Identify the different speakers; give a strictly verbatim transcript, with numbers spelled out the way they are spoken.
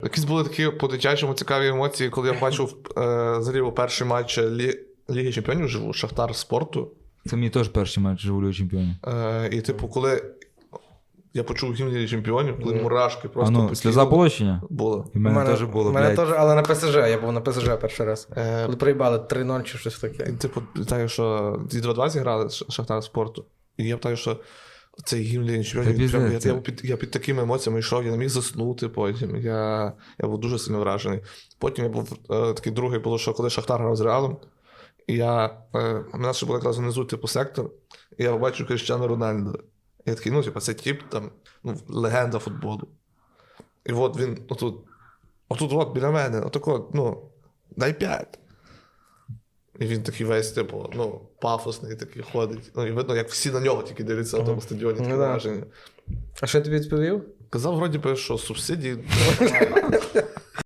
Speaker 1: Якісь були такі по-дитячому цікаві емоції, коли я бачив е, взагалі перший матч Лі... Ліги Чемпіонів живу, Шахтар спорту.
Speaker 2: Це мені теж перший матч живу Ліги Чемпіонів.
Speaker 1: Е, і типу, коли я почув гімн Ліги Чемпіонів, коли мурашки просто
Speaker 2: А ну,
Speaker 1: покинули.
Speaker 2: сльоза полощення?
Speaker 1: Було.
Speaker 2: І в мене теж було,
Speaker 3: У мене
Speaker 2: блядь.
Speaker 3: теж, але на ПСЖ, я був на ПСЖ перший раз.
Speaker 1: Е,
Speaker 3: Коли проїбали три нуль чи щось таке.
Speaker 1: І, типу, питаю, що ді два-два зіграли Ш- Шахтар спорту. І я питаю, що цей гімн Ліги Чемпіонів,
Speaker 2: Та
Speaker 1: прям, я,
Speaker 2: піздець.
Speaker 1: я, під, я під такими емоціями йшов, я не міг заснути потім. Я, я був дуже сильно вражений. Потім я був е, такий другий, було, що коли Шахтар грав з Реалом, і я, е, у нас ще був якраз внизу типу сектор, і я побачив Кріштіану Рональдо. І я такий, ну, типу, це тип, там, ну, легенда футболу. І от він отут, отут от біля мене, отако, ну, дай п'ять. І він такий весь, типу, ну, пафосний такий ходить. Ну, і видно, як всі на нього тільки дивляться на тому стадіоні, таке
Speaker 3: Ну, да.
Speaker 1: враження.
Speaker 3: А що я тобі відповів?
Speaker 1: Казав, вроді би, що субсидії.